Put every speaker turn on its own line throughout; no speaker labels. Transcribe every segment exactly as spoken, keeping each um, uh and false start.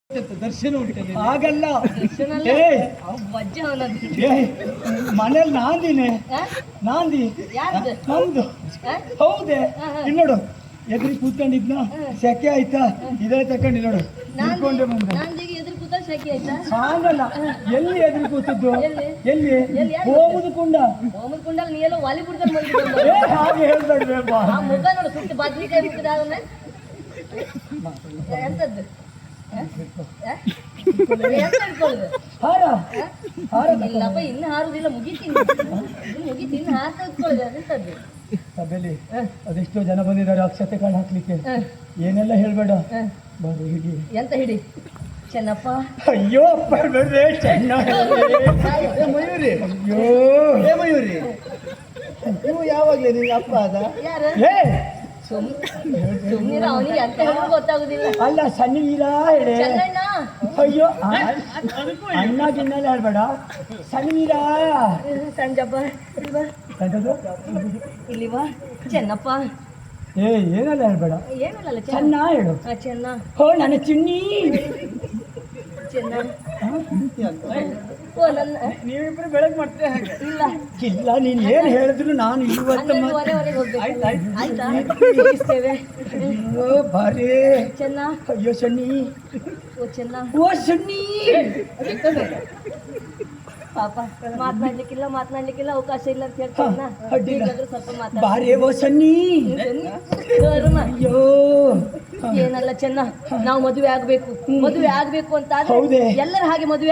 ದರ್ಶನ ಉಂಟು
ಹಾಗಲ್ಲ ಮನೇಲಿ ನಾಂದಿನೇ ನಾಂದಿ ನಮ್ದು ಹೌದೇ ಇಲ್ಲಿ ನೋಡು ಎದುರು ಕೂತ್ಕೊಂಡಿದ್ನ ಸೆಕೆ ಆಯ್ತಾ ಇದೇ ತಕೊಂಡಿ ನೋಡು ನಿಂತ್ಕೊಂಡೆ ಬಂದೆ ಹಾಗಲ್ಲ ಎಲ್ಲಿ ಎದುರು ಕೂತದ್ದು ಎಲ್ಲಿ ಹೋಗುದು ಕುಂಡ
ಹೋಮದ ಕುಂಡಲ್ಲಿ ನೀ ಎಲ್ಲೋ ವಾಲಿ ಬಿಡ್ತಾರೆ
ಹಾಗೆ ಹೇಳ್ಬೇಡ್ವೆ
ಮುಖ ನೋಡು ಸುತ್ತ ಬದ್ನಿಕಾಯಿ ಬಿಟ್ಟಿದ್ದಾಗನೆ ಎಂತದ್ದು ಇಲ್ಲಪ್ಪ ಇನ್ನು ಹಾರುದಿಲ್ಲ ಮುಗಿತೀನಿ ಮುಗಿತು ಇನ್ನು ಹಾಕ ಎಂತದ್ದು
ಸಭೆಯಲ್ಲಿ ಅದೆಷ್ಟೋ ಜನ ಬಂದಿದ್ದಾರೆ ಅಕ್ಷತೆ ಕಾಳು ಹಾಕ್ಲಿಕ್ಕೆ ಏನೆಲ್ಲ ಹೇಳ್ಬೇಡ ಬರು ಹಿಡಿ
ಎಂತ ಹಿಡಿ ಚೆನ್ನಪ್ಪ
ಅಯ್ಯೋ ಅಪ್ಪ ಹೇಳ್ಬೇಡ್ರೆ ಚೆನ್ನ
ಮಯೂರಿ
ಅಯ್ಯೋ
ಏ ಮಯೂರಿ ನೀವು ಯಾವಾಗ್ಲೇ ನೀವು ಅಪ್ಪ ಅದ
ಯಾರು ಸುಮ್ಮನೆ ಅವನಿಗೆ ಅಂತ ಹೇಳೋದು ಗೊತ್ತಾಗುದಿಲ್ಲ
ಅಲ್ಲ ಸಣ್ಣ ವೀರ ಹೇಳಿ
ಚೆನ್ನಣ್ಣ
ಅಯ್ಯೋ ಅಣ್ಣ ಗಿನ್ನೆಲ್ಲ ಹೇಳ್ಬೇಡ ಸಣ್ಣ ವೀರ
ಸಂಜಪ್ಪ ಇಲ್ಲಿ ಬಾ ಚೆನ್ನಪ್ಪ
ಏ ಏನೆಲ್ಲ ಹೇಳ್ಬೇಡ
ಏನಲ್ಲ
ಚೆನ್ನ ಹೇಳು
ಚೆನ್ನ
ಹೋ ನನ್ನ ಚಿನ್ನಿ
ಚೆನ್ನ ಓ ನನ್ನ
ನೀವಿಬ್ರು ಬೆಳಗ್ಗೆ ಮಾಡ್ತೇ ಹಾಗೆ
ಇಲ್ಲ
ಇಲ್ಲ ನೀನ್ ಏನ್ ಹೇಳಿದ್ರು ನಾನು ಇವತ್ತು
ಹನ್ನೆರಡುವರೆವರೆಗೆ ಹೋಗ್ಬೇಕು ಆಯ್ತಾ ಇಸ್ತೇವೆ
ಅಯ್ಯೋ ಬಾರಿ
ಚೆನ್ನ
ಅಯ್ಯೋ ಸಣ್ಣಿ
ಓ ಚೆನ್ನ
ಓ ಸಣ್ಣಿ
ಪಾಪ ಮಾತನಾಡ್ಲಿಕ್ಕಿಲ್ಲ ಮಾತನಾಡ್ಲಿಕ್ಕಿಲ್ಲ ಅವಕಾಶ ಇಲ್ಲ ಅಂತ ಹೇಳ್ತಾನ ಸ್ವಲ್ಪ ಮಾತಾಡ
ಬಾರಿ ಓ ಸಣ್ಣಿ ಅಯ್ಯೋ
ಏನಲ್ಲ ಚೆನ್ನ ನಾವು ಮದುವೆ ಆಗ್ಬೇಕು ಮದುವೆ ಆಗ್ಬೇಕು ಅಂತ
ಹೌದೇ
ಎಲ್ಲರ ಹಾಗೆ ಮದುವೆ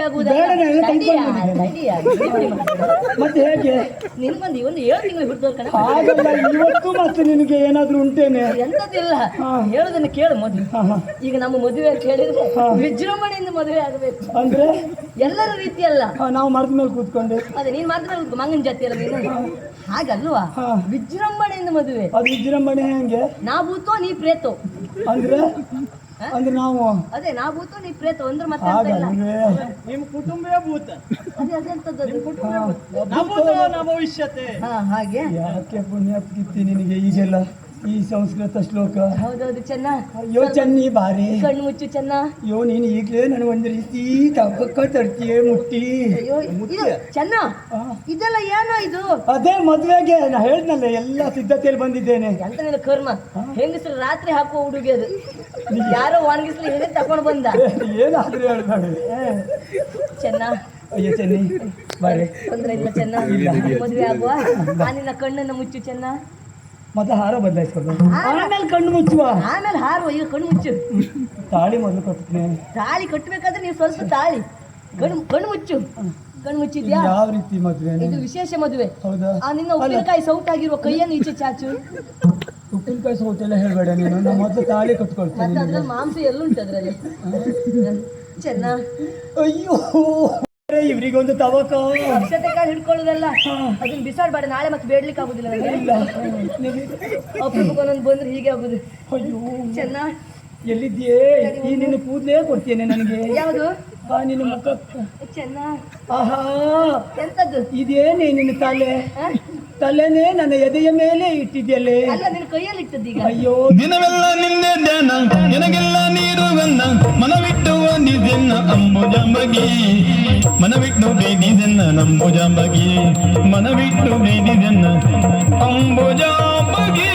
ಮತ್ತೆ ಹೇಗೆ
ನಿನ್ಗೊಂದು ಒಂದು ಏಳು ತಿಂಗಳು ಹಿಡಿದವ್ರ ಕಣ
ಹಾಗಲ್ಲ ಇವತ್ತು ಮತ್ತೆ ನಿನಗೆ ಏನಾದ್ರೂ ಉಂಟೇನೆ
ಎಂತದಿಲ್ಲ ಹೇಳುದನ್ನು ಕೇಳು ಮದುವೆ ಈಗ ನಮ್ಮ ಮದುವೆ ಅಂತ ಹೇಳಿದ್ರೆ ವಿಜೃಂಭಣೆಯಿಂದ ಮದುವೆ ಆಗಬೇಕು
ಅಂದ್ರೆ
ಎಲ್ಲರ ರೀತಿ ಅಲ್ಲ
ನಾವು ಮರದ ಮೇಲೆ ಕೂತ್ಕೊಂಡೆ
ಅದೇ ನೀನ್ ಮಾಡಿದ್ರೆ ಮಂಗನ ಜಾತಿ ಅಲ್ಲ ನೀನು ಹಾಗಲ್ವಾ ವಿಜೃಂಭಣೆಯಿಂದ ಮದುವೆ
ಅದು ವಿಜೃಂಭಣೆ ಹೆಂಗೆ
ನಾ ಭೂತೋ ನೀ ಪ್ರೇತೋ
ಅಂದ್ರೆ ಅಂದ್ರೆ ನಾವು
ಅದೇ ನಾ ಭೂತೋ ನೀ ಪ್ರೇತೋ ಅಂದ್ರೆ ಮತ್ತೆ
ನಿಮ್ಮ ಕುಟುಂಬವೇ ಭೂತ
ಅದೇ ಅದೆಂತದ್ದು
ನಮ್ಮ ಭವಿಷ್ಯತೆ
ಹಾ ಹಾಗೆ
ಯಾಕೆ ಪುಣ್ಯ ಪ್ರೀತಿ ನಿನಗೆ ಈಗೆಲ್ಲ ಈ ಸಂಸ್ಕೃತ ಶ್ಲೋಕ
ಹೌದೌದು ಚೆನ್ನ
ಅಯ್ಯೋ ಚನ್ನಿ ಬಾರಿ
ಕಣ್ಣು ಮುಚ್ಚು ಚೆನ್ನ
ಅಯ್ಯೋ ನೀನು ಈಗಲೇ ನನಗೆ ಒಂದು ರೀತಿ ತಕ್ಕ ತರ್ತೀಯ ಮುಟ್ಟಿ
ಅಯ್ಯೋ ಚೆನ್ನ ಇದೆಲ್ಲ ಏನೋ ಇದು
ಅದೇ ಮದ್ವೆಗೆ ನಾ ಹೇಳ್ದಲ್ಲ ಎಲ್ಲ ಸಿದ್ಧತೆಯಲ್ಲಿ ಬಂದಿದ್ದೇನೆ
ಎಂತ ನಿನ್ನ ಕರ್ಮ ಹೆಂಗಸರು ರಾತ್ರಿ ಹಾಕುವ ಹುಡುಗಿ ಅದು ಯಾರೋ ಒಣಗಿಸ್ಲಿ ಹೇಳಿ ತಗೊಂಡು ಬಂದ
ಏನಾದ್ರೂ ಹೇಳ್ಬೇಡ
ಚೆನ್ನ
ಅಯ್ಯೋ ಚೆನ್ನಿ ಬಾರಿ
ತೊಂದ್ರೆ ಇಲ್ಲ ಚೆನ್ನ ಮದುವೆ ಆಗುವ ನಿನ್ನ ಕಣ್ಣನ್ನು ಮುಚ್ಚು ಚೆನ್ನ
ಮತ್ತೆ ಹಾರ ಬದಲಾಯಿಸ್ಕೊಂಡು ಆಮೇಲೆ ಕಣ್ಣು ಮುಚ್ಚುವ
ಆಮೇಲೆ ಹಾರುವ ಈಗ ಕಣ್ಣು ಮುಚ್ಚು
ತಾಳಿ ಮೊದಲು ಕಟ್ತೀನಿ
ತಾಳಿ ಕಟ್ಟಬೇಕಾದ್ರೆ ನೀವು ಸ್ವಲ್ಪ ತಾಳಿ ಕಣ್ಣು ಕಣ್ಣು ಮುಚ್ಚು ಕಣ್ಣು ಮುಚ್ಚಿದ್ಯಾ
ಯಾವ ರೀತಿ ಮದುವೆ
ಇದು ವಿಶೇಷ ಮದುವೆ
ಹೌದಾ
ಆ ನಿನ್ನ ಉಪ್ಪಿನಕಾಯಿ ಸೌಟಾಗಿರುವ ಕೈಯನ್ನು ಈಚೆ ಚಾಚು
ಉಪ್ಪಿನಕಾಯಿ ಸೌಟೆಲ್ಲ ಹೇಳ್ಬೇಡ ನೀನು ನಮ್ಮ ಮೊದಲು ತಾಳಿ ಕಟ್ಕೊಳ್ತೀನಿ
ಅದ್ರಲ್ಲಿ ಮಾಂಸ ಎಲ್ಲುಂಟು ಅದ್ರಲ್ಲಿ ಚೆನ್ನ
ಅಯ್ಯೋ ಇವ್ರಿಗೊಂದು ತವಕ
ಅಕ್ಷತೆ ಕಾಳು ಹಿಡ್ಕೊಳ್ಳೋದಲ್ಲ ಅದನ್ನ ಬಿಸಾಡ್ಬೇಡ ನಾಳೆ ಮತ್ತೆ ಬೇಡ್ಲಿಕ್ಕೆ ಆಗುದಿಲ್ಲ ಅಪರೂಪಕ್ಕೊಂದೊಂದು ಬಂದ್ರೆ ಹೀಗೆ ಆಗುದು
ಅಯ್ಯೋ
ಚೆನ್ನ
ಎಲ್ಲಿದ್ಯೇ ಈ ನಿನ್ನ ಕೂದಲೇ ಕೊಡ್ತೇನೆ ನನಗೆ
ಯಾವುದು
ನಿನ್ನ ಮುಖ
ಚೆನ್ನ
ಆಹಾ
ಎಂತದ್ದು
ಇದೇನೇ ನಿನ್ನ ತಲೆ ತಲೆನೇ ನನ್ನ ಎದೆಯ ಮೇಲೆ ಇಟ್ಟಿದ್ಯಲ್ಲೇ
ಅಲ್ಲ ನಿನ್ನ ಕೈಯಲ್ಲಿ ಇಟ್ಟದ್ದೀಗ
ಅಯ್ಯೋ
ದಿನವೆಲ್ಲ ನಿಂದೆ ಧ್ಯಾನ ನಿನಗೆಲ್ಲ ನೀರು ಗನ್ನ ಮನವಿಟ್ಟು ನಿಜೆನ್ನ ಅಂಬುಜಂಬಗಿ ಮನವಿಟ್ಟು ಬೇದಿದೆನ್ನ ನಂಬುಜಂಬಗಿ ಮನವಿಟ್ಟು ಬೇದಿದೆನ್ನ ಅಂಬುಜಂಬಗಿ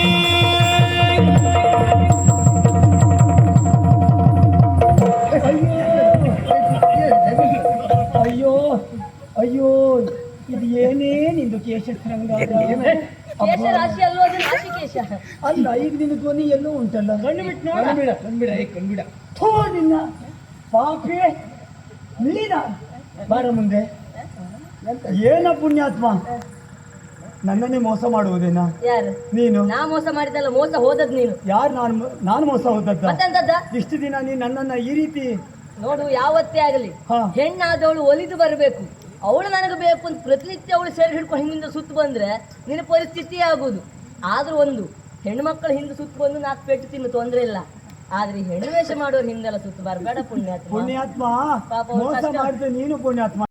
ಅಯ್ಯೋ ಅಯ್ಯೋ ಇದು ಏನೇ ನಿಂದು ಕೇಶ
ಕೇಶ ರಾಶಿ ಅಲ್ಲೋ ಅದು ರಾಶಿ ಕೇಶ
ಅಲ್ಲ ಈಗ ನಿನ್ನ ಧ್ವನಿ ಎಲ್ಲೋ ಉಂಟಲ್ಲ
ಕಣ್ಣು ಬಿಟ್ಟು ನೋಡ ಕಣ್ಬಿಡ ಕಣ್ಬಿಡ
ಥೋ ನಿನ್ನ ಪಾಪಿ ನೀನ ಬಾರ ಮುಂದೆ ಏನ ಪುಣ್ಯಾತ್ಮ ನನ್ನನ್ನೇ ಮೋಸ ಮಾಡುವುದೇನಾ
ಯಾರು
ನೀನು
ನಾ ಮೋಸ ಮಾಡಿದಲ್ಲ ಮೋಸ ಹೋದದ್ ನೀನು
ಯಾರು ನಾನು ನಾನು ಮೋಸ ಹೋದದ್ದ
ಮತ್ತೆಂತದ್ದ
ಇಷ್ಟು ದಿನ ನೀನು ನನ್ನನ್ನ ಈ ರೀತಿ
ನೋಡು ಯಾವತ್ತೇ ಆಗಲಿ ಹೆಣ್ಣಾದವಳು ಒಲಿದು ಬರಬೇಕು ಅವಳು ನನಗೆ ಬೇಕು ಅಂತ ಪ್ರತಿನಿತ್ಯ ಅವಳು ಸೇರಿ ಹಿಡ್ಕೊಂಡು ಹಿಂದಿಂದ ಸುತ್ತು ಬಂದ್ರೆ ನಿನ್ನ ಪರಿಸ್ಥಿತಿ ಆಗುದು ಆದ್ರೂ ಒಂದು ಹೆಣ್ಣು ಮಕ್ಕಳ ಹಿಂದೆ ಸುತ್ತು ಬಂದು ನಾಲ್ಕು ಪೆಟ್ಟು ತಿನ್ನು ತೊಂದ್ರೆ ಇಲ್ಲ ಆದ್ರೆ ಹೆಣ್ಣು ವೇಷ ಮಾಡೋರು ಹಿಂದೆಲ್ಲ ಸುತ್ತು ಬರಬೇಡ ಪುಣ್ಯಾತ್ಮ
ಪುಣ್ಯಾತ್ಮ
ಪಾಪ
ಮೋಸ ಮಾಡಿದ್ರೆ ನೀನು ಪುಣ್ಯಾತ್ಮ